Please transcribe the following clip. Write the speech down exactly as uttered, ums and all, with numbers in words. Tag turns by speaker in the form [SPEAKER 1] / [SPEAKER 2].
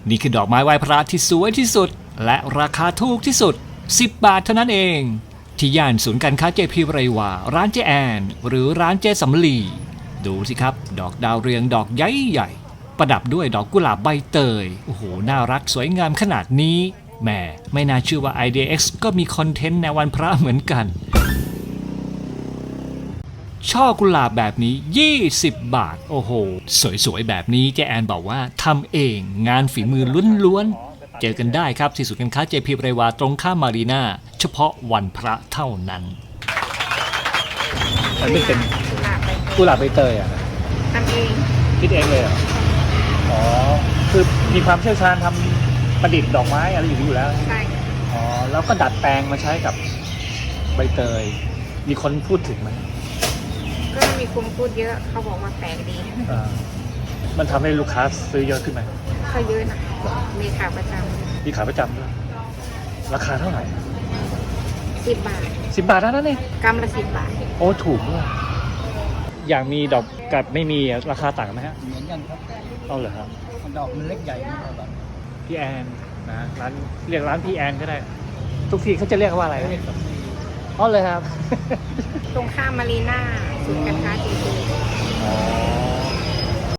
[SPEAKER 1] นี่คือดอกไม้ไหว้พระที่สวยที่สุดและราคาถูกที่สุดสิบบาทเท่านั้นเองที่ย่านศูนย์การค้าเจพีไรวาร้านเจแอนหรือร้านเจสำลีดูสิครับดอกดาวเรืองดอกใหญ่ใหญ่ประดับด้วยดอกกุหลาบใบเตยโอ้โหน่ารักสวยงามขนาดนี้แหมไม่น่าเชื่อว่า ไอ ดี เอ็กซ์ ก็มีคอนเทนต์ในวันพระเหมือนกันช่อกุหลาบแบบนี้ยี่สิบบาทโอ้โหสวยๆแบบนี้เจแอนบอกว่าทำเองงานฝีมือล้วนๆเจอกันได้ครับที่ศูนย์การค้าเจพีไรวาตรงข้ามมารีนาเฉพาะวันพระเท่านั้นมันเป็นกุหลาบใบเตยอ่ะ
[SPEAKER 2] ทำเอง
[SPEAKER 1] คิดเองเลยเหรออ๋อคือมีความเชี่ยวชาญทำประดิษฐ์ดอกไม้อะไรอยู่อยู่แล้ว
[SPEAKER 2] ใช่
[SPEAKER 1] อ๋อแล้วก็ดัดแปลงมาใช้กับใบเตยมีคนพูดถึงไหม
[SPEAKER 2] ก็มีคนพูดเยอะเขาบอกว่าแปลกดี
[SPEAKER 1] มันทำให้ลูกค้าซื้อเยอะขึ้นไหม
[SPEAKER 2] เขาเยอะนะมีขาประจำ
[SPEAKER 1] มีขาประจำด้วยราคาเท่าไหร่
[SPEAKER 2] สิบบาท
[SPEAKER 1] สิบบาทเท่านั้นเอง
[SPEAKER 2] กำละสิบบาท
[SPEAKER 1] โอ้ถูกด้วยอย่างมีดอกกับไม่มีราคาต่างไหมฮะ
[SPEAKER 3] เหมือนกันครับ
[SPEAKER 1] เอาเหรอครับ
[SPEAKER 3] ดอกมันเล็กใหญ่ไม่เท่ากัน
[SPEAKER 1] พี่แอนนะร้านเรียกร้านพี่แอนก็ได้ทุกที่เขาจะเรียกว่าอะไรอ๋อเลยครับ
[SPEAKER 2] ตรงข้ามมารีนาศูนย์การค้าจีน
[SPEAKER 1] อ๋อ